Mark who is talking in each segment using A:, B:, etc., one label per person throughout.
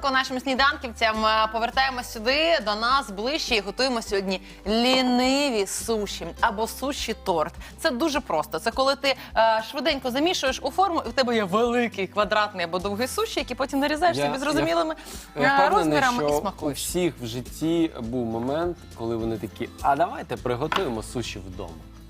A: ранку нашим сніданківцям. Повертаємось сюди, до нас ближче і готуємо сьогодні ліниві суші або суші-торт. Це дуже просто. Це коли ти швиденько замішуєш у форму, і в тебе є великий квадратний або довгий суші, який потім нарізаєш собі зрозумілими розмірами і смакуєш.
B: У всіх в житті був момент, коли вони такі, а давайте приготуємо суші вдома.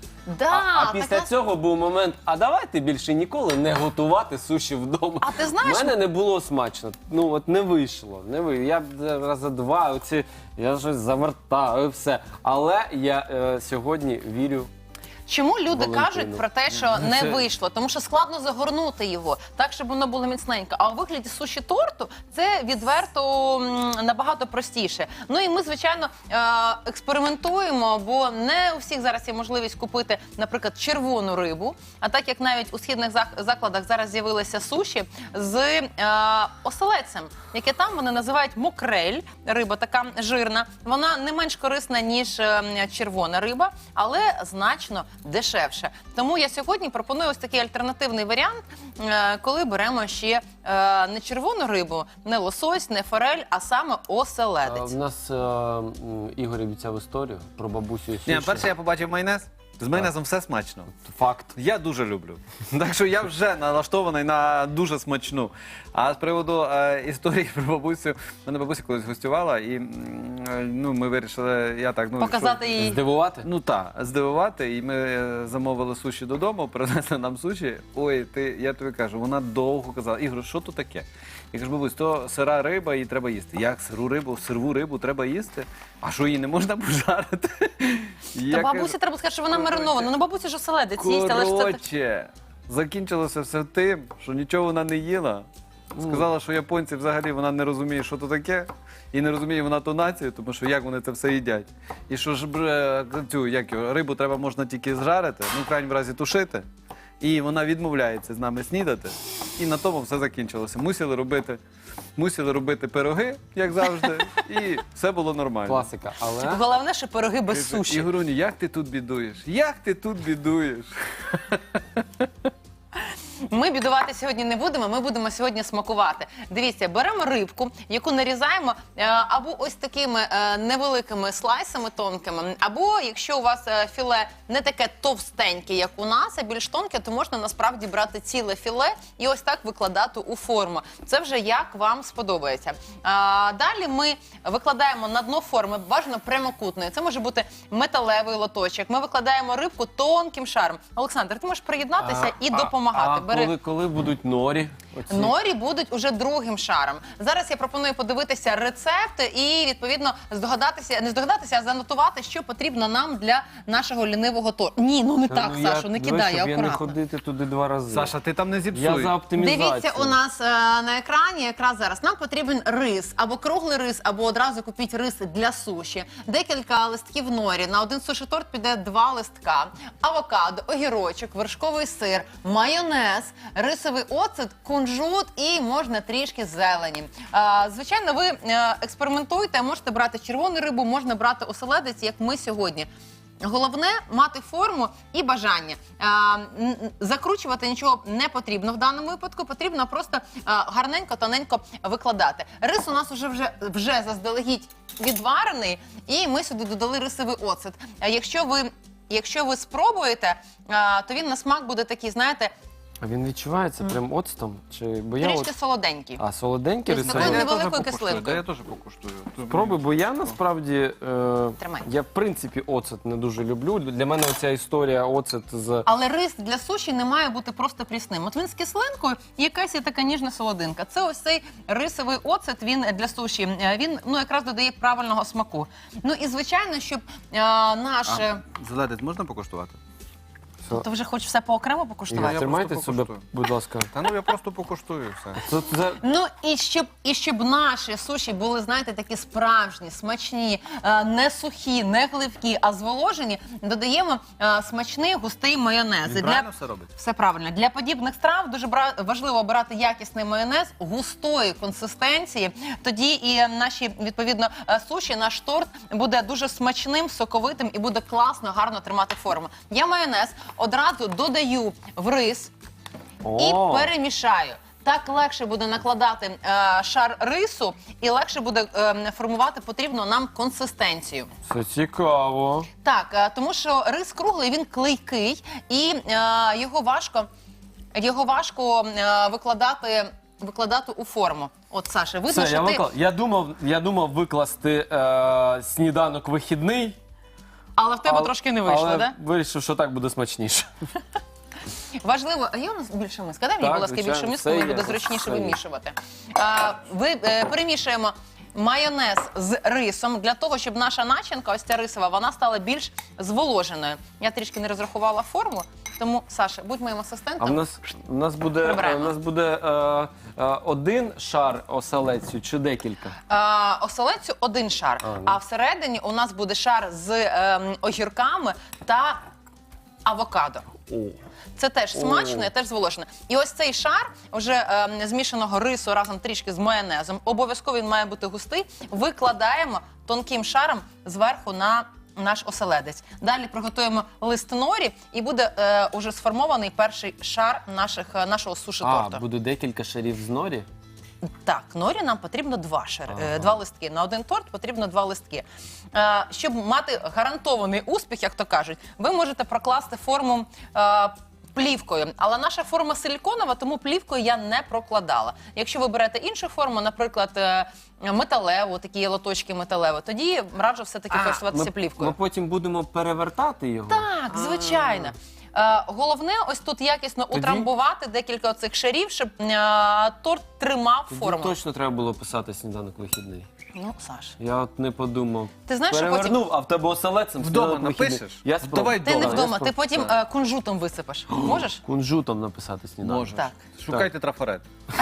B: А після цього був момент, а давайте більше ніколи не готувати суші вдома.
A: А ти знаєш...
B: У мене не було смачно, ну от не вийшло. Я рази два, я щось завертаю, все. Але я сьогодні вірю.
A: Чому люди кажуть про те, що не вийшло? Тому що складно загорнути його так, щоб воно було міцненько. А у вигляді суші-торту це відверто набагато простіше. Ну і ми, звичайно, експериментуємо, бо не у всіх зараз є можливість купити, наприклад, червону рибу. А так як навіть у східних закладах зараз з'явилися суші з оселедцем, яке там вони називають мокрель, риба така жирна. Вона не менш корисна, ніж червона риба, але значно дешевше. Тому я сьогодні пропоную ось такий альтернативний варіант, коли беремо ще не червону рибу, не лосось, не форель, а саме оселедець.
B: У нас Ігор обіцяв історію про бабусю і суші.
C: Ні, перше я побачив майонез. З майонезом все смачно.
B: Факт.
C: Я дуже люблю. Так що я вже налаштований на дуже смачну. А з приводу історії про бабусю, мене бабуся колись гостювала, і ми вирішили,
A: показати їй.
B: Здивувати?
C: Ну так, здивувати. І ми замовили суші додому, принесли нам суші. Ой, я тобі кажу, вона довго казала, Ігор, що то таке? Я кажу, бабусь, то сира риба, її треба їсти. Як сиру рибу треба їсти? А що, її не можна пожарити?
A: Та бабусі треба сказати, що вона маринована. Ну, бабуся ж оселедець їсть, але ж це...
C: Коротше, закінчилося все тим, що нічого вона не їла. Сказала, що японці взагалі вона не розуміє, що то таке, і не розуміє вона ту націю, тому що як вони це все їдять. І що ж цю рибу треба можна тільки зжарити, ну в крайньому разі тушити. І вона відмовляється з нами снідати. І на тому все закінчилося. Мусили робити пироги, як завжди, і все було нормально.
B: Класика, але...
A: Головне, що пироги без суші.
C: Ігоруні, як ти тут бідуєш? Як ти тут бідуєш?
A: Ми бідувати сьогодні не будемо, ми будемо сьогодні смакувати. Дивіться, беремо рибку, яку нарізаємо або ось такими невеликими слайсами тонкими, або якщо у вас філе не таке товстеньке, як у нас, а більш тонке, то можна насправді брати ціле філе і ось так викладати у форму. Це вже як вам сподобається. Далі ми викладаємо на дно форми, бажано прямокутної. Це може бути металевий лоточок. Ми викладаємо рибку тонким шаром. Олександр, ти можеш приєднатися і допомагати.
B: Коли будуть норі?
A: Норі будуть уже другим шаром. Зараз я пропоную подивитися рецепт і, відповідно, а занотувати, що потрібно нам для нашого лінивого торту. Ні, ну не так, Сашо, не кидай,
B: я
A: акуратно.
B: не ходити туди два рази.
C: Саша, ти там не зіпсуй.
B: Я за оптимізацію.
A: Дивіться, у нас на екрані якраз зараз нам потрібен рис, або круглий рис, або одразу купіть рис для суші. Декілька листків норі. На один суші-торт піде 2 листка. Авокадо, огірочок, вершковий сир, майонез, рисовий оцет, кунжут і можна трішки зелені. Звичайно, ви експериментуйте, можете брати червону рибу, можна брати оселедець, як ми сьогодні. Головне – мати форму і бажання. Закручувати нічого не потрібно в даному випадку, потрібно просто гарненько, тоненько викладати. Рис у нас вже заздалегідь відварений, і ми сюди додали рисовий оцет. Якщо ви спробуєте, то він на смак буде такий, знаєте,
B: А він відчувається прям оцтом?
A: трішки солоденький.
B: А, солоденький
A: Тобто
B: рисовий?
A: невеликою кислинкою.
C: Я теж покуштую.
B: Спробуй, бо я насправді,
A: Тримай.
B: я в принципі оцет не дуже люблю. Для мене оця історія оцет з...
A: Але рис для суші не має бути просто прісним. От він з кислинкою і якась є така ніжна солодинка. Це ось цей рисовий оцет, він для суші, він якраз додає правильного смаку. Ну і звичайно, щоб наше...
C: Зеленець можна покуштувати?
A: Ти вже хочеш все поокремо покуштувати?
C: Я
B: Тримайте
C: просто
B: себе,
C: покуштую.
B: будь ласка.
C: Та ну я просто покуштую все.
A: Ну і щоб наші суші були, знаєте, такі справжні, смачні, не сухі, не гливкі, а зволожені, додаємо смачний густий майонез.
C: Він правильно все робить?
A: Все правильно. Для подібних страв дуже важливо обирати якісний майонез густої консистенції. Тоді і наші, відповідно, суші, наш торт буде дуже смачним, соковитим і буде класно, гарно тримати форму. Я майонез одразу додаю в рис і перемішаю. Так легше буде накладати шар рису і легше буде формувати потрібну нам консистенцію.
B: Це цікаво.
A: Так, тому що рис круглий, він клейкий і його важко викладати у форму. От, Саша, видно,
B: Все,
A: що ти...
B: я думав викласти сніданок вихідний.
A: Але в тебе трошки не вийшло,
B: але
A: да?
B: вирішив, що так буде смачніше.
A: Важливо, а є у нас більше миска? Дай мені,
B: Так,
A: будь ласка,
B: звичайно,
A: більшу миску,
B: все
A: мені
B: є,
A: буде зручніше
B: все є.
A: вимішувати. Перемішуємо майонез з рисом для того, щоб наша начинка, ось ця рисова, вона стала більш зволоженою. Я трішки не розрахувала форму, тому, Саша, будь моїм
B: А
A: асистентом.
B: в нас буде один шар оселедцю чи декілька?
A: Оселедцю один шар,
B: ну.
A: а всередині у нас буде шар з огірками та авокадо.
B: О.
A: Це теж смачно і теж зволожено. І ось цей шар вже змішаного рису разом трішки з майонезом, обов'язково він має бути густий, викладаємо тонким шаром зверху на наш оселедець. Далі приготуємо лист норі і буде уже сформований перший шар нашого суші-торту.
B: Буде декілька шарів з норі?
A: Так, норі нам потрібно два листки. На один торт потрібно 2 листки. Щоб мати гарантований успіх, як то кажуть, ви можете прокласти форму плівкою. Але наша форма силіконова, тому плівкою я не прокладала. Якщо ви берете іншу форму, наприклад, металеву, такі лоточки металеві, тоді раджу все-таки користуватися плівкою.
B: Ми потім будемо перевертати його?
A: Так, звичайно. Головне ось тут якісно утрамбувати декілька оцих шарів, щоб торт тримав форму.
B: Точно треба було писати сніданок вихідний.
A: Ну, Саш.
B: Я от не подумав.
A: Ти знаєш, що
B: Перевернув, а в тебе оселедцем
C: Вдома
B: сніданок вихідний.
C: напишеш?
B: Я
C: Давай
B: спробую.
A: Ти не
C: Добре,
A: вдома, ти потім кунжутом висипеш. Можеш?
B: Кунжутом написати сніданок.
C: Можеш.
A: Так.
C: Шукайте трафарет.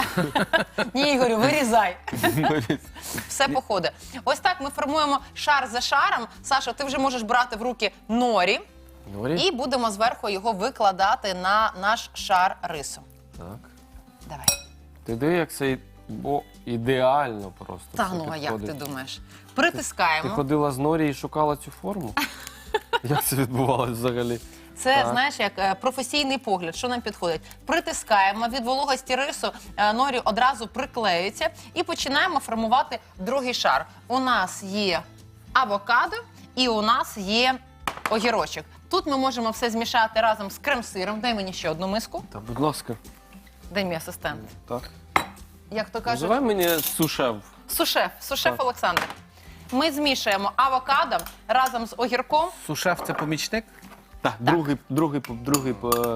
A: Ні, Ігорю, вирізай. Все походить. Ось так ми формуємо шар за шаром. Саша, ти вже можеш брати в руки норі
B: Норі?
A: і будемо зверху його викладати на наш шар рису.
B: Так.
A: Давай.
B: Ти диви, як це ідеально просто.
A: Та
B: все
A: ну, а як ти
B: підходить.
A: думаєш?
B: Ти
A: Притискаємо.
B: ходила з норі і шукала цю форму? Як це відбувалося взагалі?
A: Це,
B: Так.
A: знаєш, як професійний погляд, що нам підходить. Притискаємо, від вологості рису норі одразу приклеюється і починаємо формувати другий шар. У нас є авокадо і у нас є огірочок. Тут ми можемо все змішати разом з крем-сиром. Дай мені ще одну миску.
B: Та, будь ласка.
A: Дай мій асистент.
B: Так.
A: Як то кажуть,
B: Називай мені сушеф.
A: сушеф
B: Так.
A: Олександр. Ми змішуємо авокадо разом з огірком.
C: Сушеф це помічник?
B: Так, другий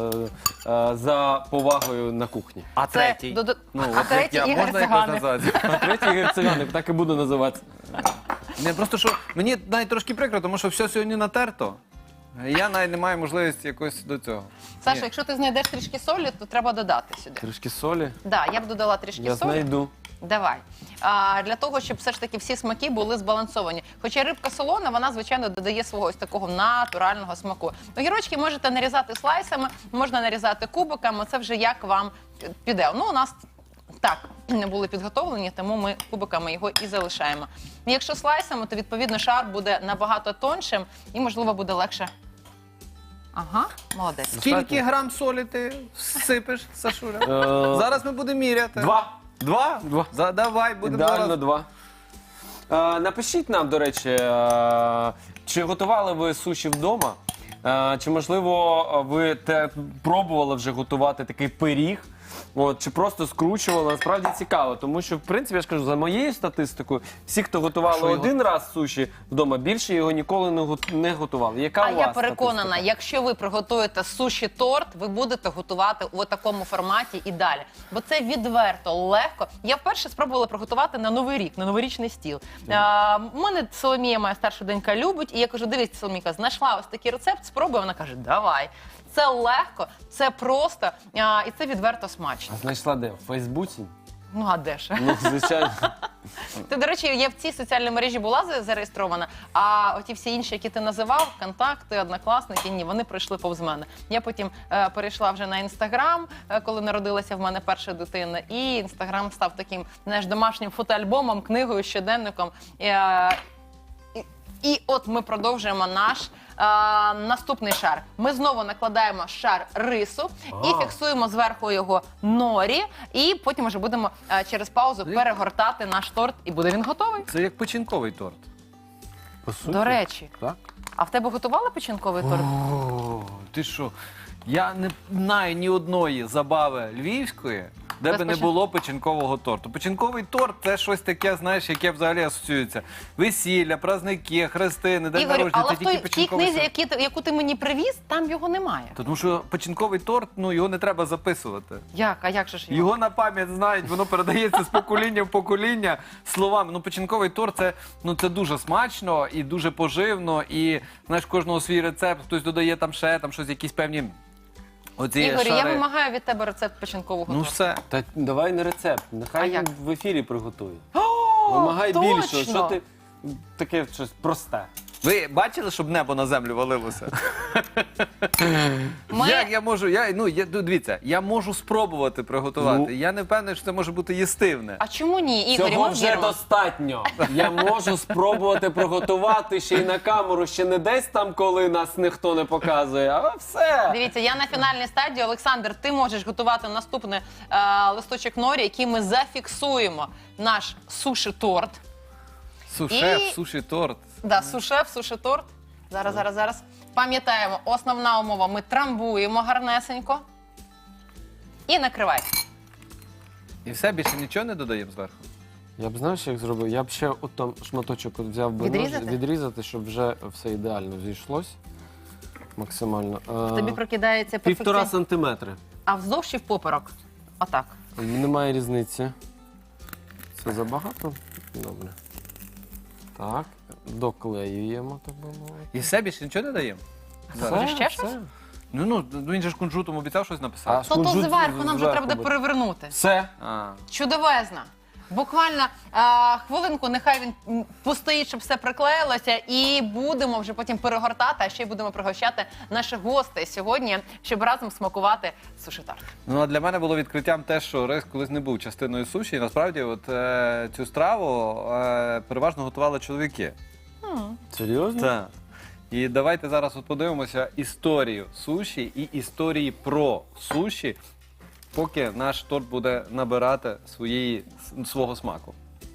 B: за повагою на кухні.
C: А третій?
A: А третій Ігор
C: можна якось
A: Циганик.
C: назвати?
B: А третій герцеганик, так і буду називатися.
C: Не, просто що мені навіть трошки прикро, тому що все сьогодні натерто. Я навіть не маю можливості якось до цього.
A: Саша,
C: Ні.
A: якщо ти знайдеш трішки солі, то треба додати сюди.
B: Трішки солі.
A: Да, я б додала трішки
B: Я
A: солі.
B: знайду.
A: Давай. Для того, щоб все ж таки всі смаки були збалансовані. Хоча рибка солона, вона, звичайно, додає свого ось такого натурального смаку. Огірочки можете нарізати слайсами, можна нарізати кубиками, це вже як вам піде. Ну, у нас так не були підготовлені, тому ми кубиками його і залишаємо. Якщо слайсами, то, відповідно, шар буде набагато тоншим і, можливо, буде легше. Ага, молодець.
C: Скільки грам солі ти всипеш, Сашуля?
B: Е,
C: Зараз ми будемо міряти.
B: 2.
C: Два?
B: Два.
C: Давай, будемо
B: Ідеально
C: зараз.
B: 2. Напишіть нам, до речі, чи готували ви суші вдома? Чи, можливо, ви пробували вже готувати такий пиріг? От, чи просто скручували? Насправді цікаво, тому що, в принципі, я ж кажу, за моєю статистикою, всі, хто готували
C: Що його-
B: один раз суші вдома, більше його ніколи не готували. Яка
A: А
B: у вас
A: я переконана,
B: статистика?
A: якщо ви приготуєте суші-торт, ви будете готувати у такому форматі і далі. Бо це відверто, легко. Я вперше спробувала приготувати на Новий рік, на новорічний стіл. У мене Соломія, моя старша донька, любить. І я кажу, дивись, Соломійка, знайшла ось такий рецепт, спробуй. Вона каже, давай. Це легко, це просто і це відверто смачно.
B: А знайшла де? В Фейсбуці?
A: Ну, а де ж?
B: Ну, звичайно.
A: Ти, до речі, я в цій соціальній мережі була зареєстрована, а оті всі інші, які ти називав, контакти, однокласники, ні, вони пройшли повз мене. Я потім перейшла вже на Інстаграм, коли народилася в мене перша дитина, і Інстаграм став таким, знаєш, домашнім фотоальбомом, книгою, щоденником. І от ми продовжуємо наш наступний шар. Ми знову накладаємо шар рису і фіксуємо зверху його норі. І потім вже будемо через паузу перегортати наш торт, і буде він готовий.
C: Це як печінковий торт.
B: По суті.
A: До речі,
B: Так?
A: а в тебе готували печінковий торт?
C: О, ти що? Я не знаю ні одної забави львівської, де
A: Без
C: би не було печінкового торту. Печінковий торт – це щось таке, знаєш, яке взагалі асоціюється. Весілля, праздники, хрестини, день
A: Ігорю,
C: народження –
A: але
C: це
A: в
C: тільки
A: тій
C: печінковий
A: книзі,
C: торт.
A: яку ти мені привіз, там його немає.
C: Тому що печінковий торт, ну, його не треба записувати.
A: Як? А як же ж його?
C: Його на пам'ять знають, воно передається з покоління в покоління словами. Ну, печінковий торт це дуже смачно і дуже поживно. І знаєш, кожного свій рецепт, хтось додає там ще там щось, якісь певні оці
A: Ігорю, я
C: шари.
A: вимагаю від тебе рецепт печінкового
C: Ну
A: торту.
C: все.
B: Та давай не рецепт,
A: А
B: нехай
A: як?
B: він в ефірі приготує.
A: О,
B: Вимагай
A: точно!
B: більше, що ти таке щось просте.
C: Ви бачили, щоб небо на землю валилося?
A: Ми-
C: Як я можу? Дивіться, я можу спробувати приготувати.
B: Ну.
C: Я не впевнений, що це може бути їстивне.
A: А чому ні, Ігорю?
B: Цього
A: Ми
B: вже
A: віримо.
B: достатньо. Я можу спробувати приготувати ще й на камеру, ще не десь там, коли нас ніхто не показує, а все.
A: Дивіться, я на фінальній стадії. Олександр, ти можеш готувати наступний листочок норі, який ми зафіксуємо. Наш суші-торт.
C: Сушеф,
A: І-
C: суші-торт.
A: Да, сушеф, суші-торт. Зараз. Пам'ятаємо, основна умова. Ми трамбуємо гарнесенько. І накривай.
C: І все, більше нічого не додаємо зверху.
B: Я б знаєш, як зробив? Я б ще от там шматочок от взяв би
A: Відрізати?
B: відрізати, щоб вже все ідеально зійшлось. Максимально.
A: Тобі прокидається
B: 1,5
A: перфекція.
B: сантиметри.
A: А вздовж чи в поперек? Отак.
B: Немає різниці. Це забагато? Добре. Так, доклеюємо, так би мовити.
C: І все, більше нічого не даємо?
A: Може, ще щось?
C: Ну, він же ж кунжутом обіцяв щось написати.
A: То
B: Кунжут
A: зверху нам вже
B: зверху
A: треба буде
B: буде.
A: перевернути.
B: Все.
C: А.
A: Чудовезна. Буквально хвилинку, нехай він постоїть, щоб все приклеїлося, і будемо вже потім перегортати, а ще й будемо пригощати наших гостей сьогодні, щоб разом смакувати суші-торт.
C: Ну, а для мене було відкриттям те, що рис колись не був частиною суші. І насправді цю страву переважно готували чоловіки.
B: Серйозно?
C: Так. І давайте зараз подивимося історію суші і історії про суші, поки наш торт буде набирати свого смаку.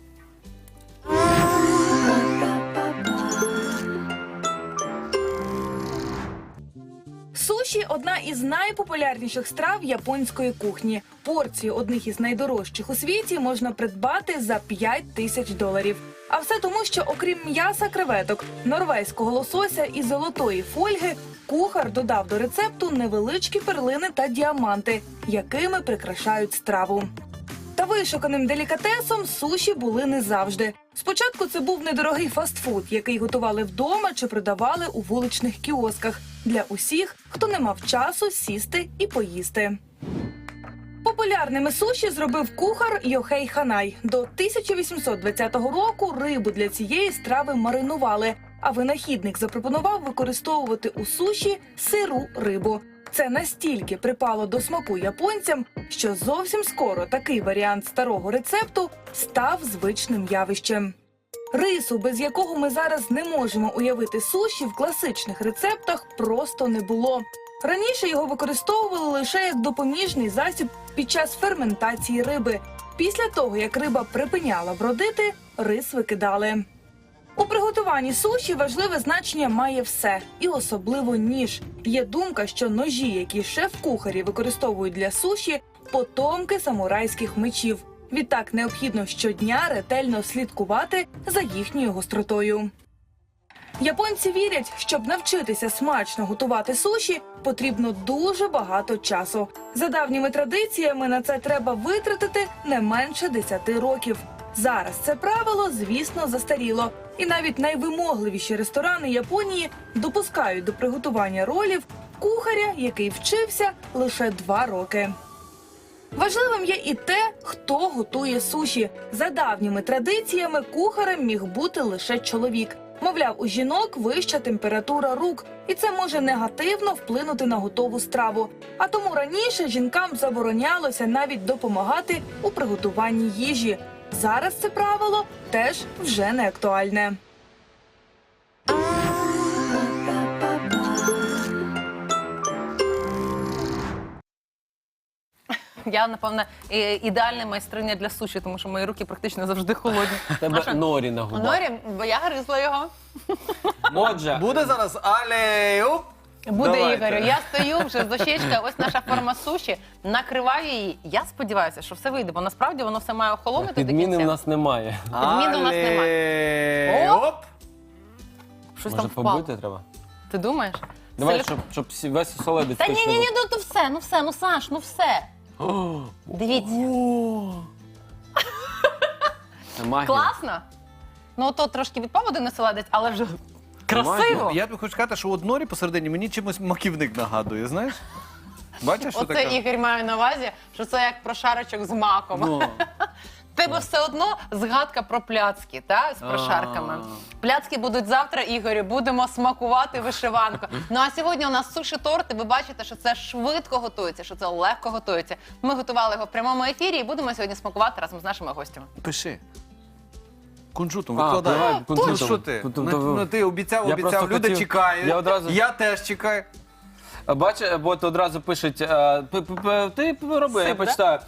D: Суші – одна із найпопулярніших страв японської кухні. Порцію одних із найдорожчих у світі можна придбати за $5000. А все тому, що окрім м'яса креветок, норвезького лосося і золотої фольги, кухар додав до рецепту невеличкі перлини та діаманти, якими прикрашають страву. Та вишуканим делікатесом суші були не завжди. Спочатку це був недорогий фастфуд, який готували вдома чи продавали у вуличних кіосках для усіх, хто не мав часу сісти і поїсти. Популярними суші зробив кухар Йохей Ханай. До 1820 року рибу для цієї страви маринували, а винахідник запропонував використовувати у суші сиру рибу. Це настільки припало до смаку японцям, що зовсім скоро такий варіант старого рецепту став звичним явищем. Рису, без якого ми зараз не можемо уявити суші, в класичних рецептах просто не було. Раніше його використовували лише як допоміжний засіб під час ферментації риби. Після того, як риба припиняла бродити, рис викидали. У приготуванні суші важливе значення має все, і особливо ніж. Є думка, що ножі, які шеф-кухарі використовують для суші, потомки самурайських мечів. Відтак необхідно щодня ретельно слідкувати за їхньою гостротою. Японці вірять, щоб навчитися смачно готувати суші, потрібно дуже багато часу. За давніми традиціями на це треба витратити не менше 10 років. Зараз це правило, звісно, застаріло. І навіть найвимогливіші ресторани Японії допускають до приготування ролів кухаря, який вчився лише 2 роки. Важливим є і те, хто готує суші. За давніми традиціями кухарем міг бути лише чоловік. Мовляв, у жінок вища температура рук, і це може негативно вплинути на готову страву. А тому раніше жінкам заборонялося навіть допомагати у приготуванні їжі. Зараз це правило теж вже не актуальне.
A: Я, напевно, ідеальна майстриня для суші, тому що мої руки практично завжди холодні.
B: Тебе норі на губах.
A: Норі, бо я гризла його.
B: Отже,
C: Буде зараз алеюп.
A: Буде,
C: Давайте.
A: Ігорю. Я стою вже з дощечка, ось наша форма суші, накриваю її. Я сподіваюся, що все вийде, бо насправді воно все має охолонути до
B: підміни в
A: кінця.
B: нас немає.
A: Підмін у нас немає.
C: Алеюп.
A: Щось
B: Може
A: там впало.
B: побити треба?
A: Ти думаєш?
B: Давай,
A: Селю-
B: щоб весь оселедець
A: Та
B: точно
A: ні, ну все, ну Саш, ну все.
B: був.
A: Дивіться.
B: Це магія.
A: Класно? Ну, то трошки відпав один оселедець, але вже красиво.
C: Я тобі хочу сказати, що от норі посередині мені чимось маківник нагадує, знаєш? Бачиш, що
A: Оце
C: таке?
A: Ігор має на увазі, що це як прошарочок з маком.
C: Ну.
A: Тебе все одно згадка про пляцки, та, з прошарками. Пляцки будуть завтра, Ігорю, будемо смакувати вишиванку. Ну а сьогодні у нас суші-торт, і ви бачите, що це швидко готується, що це легко готується. Ми готували його в прямому ефірі і будемо сьогодні смакувати разом з нашими гостями.
C: Пиши. Кунжутом
B: А,
C: викладай.
B: давай, кунжутом.
C: Ну що ти?
B: Тобто ви-
C: Ну ти обіцяв,
B: Я просто
C: люди
B: хотів-
C: чекають.
B: я одразу-
C: Я теж чекаю.
B: Бачиш, от одразу пишуть, ти роби, я
A: Сип, да?
B: почитаю.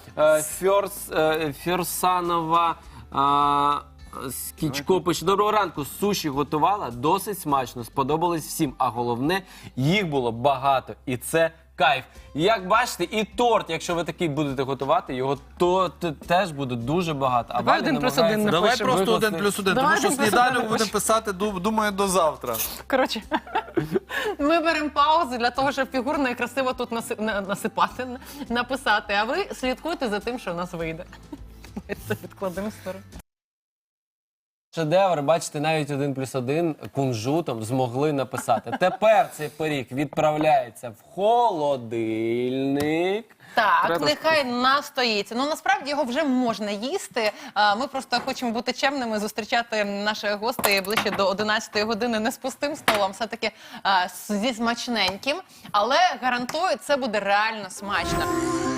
B: Фірсанова Скічко пише: доброго ранку, суші готувала, досить смачно, сподобалось всім, а головне, їх було багато, і це кайф. Як бачите, і торт, якщо ви такий будете готувати, його теж буде дуже багато.
A: Давай
B: Ваня
A: 1+1
B: намагається
C: Давай
A: Напишемо.
C: просто
B: викласти-
C: 1+1,
A: Давай
C: тому що
A: 1+1
C: сніданок
A: напишемо.
C: будемо писати, думаю, до завтра.
A: Коротше, ми беремо паузу для того, щоб фігурно і красиво тут насипати, написати, а ви слідкуйте за тим, що в нас вийде. Ми це відкладемо в сторону.
B: Шедевр, бачите, навіть 1+1 кунжутом змогли написати. Тепер цей пиріг відправляється в холодильник.
A: Так,
B: Треба
A: нехай настоїться. Ну насправді його вже можна їсти. Ми просто хочемо бути чемними, зустрічати наших гостей ближче до 11-ї години не з пустим столом, все-таки зі смачненьким. Але гарантую, це буде реально смачно.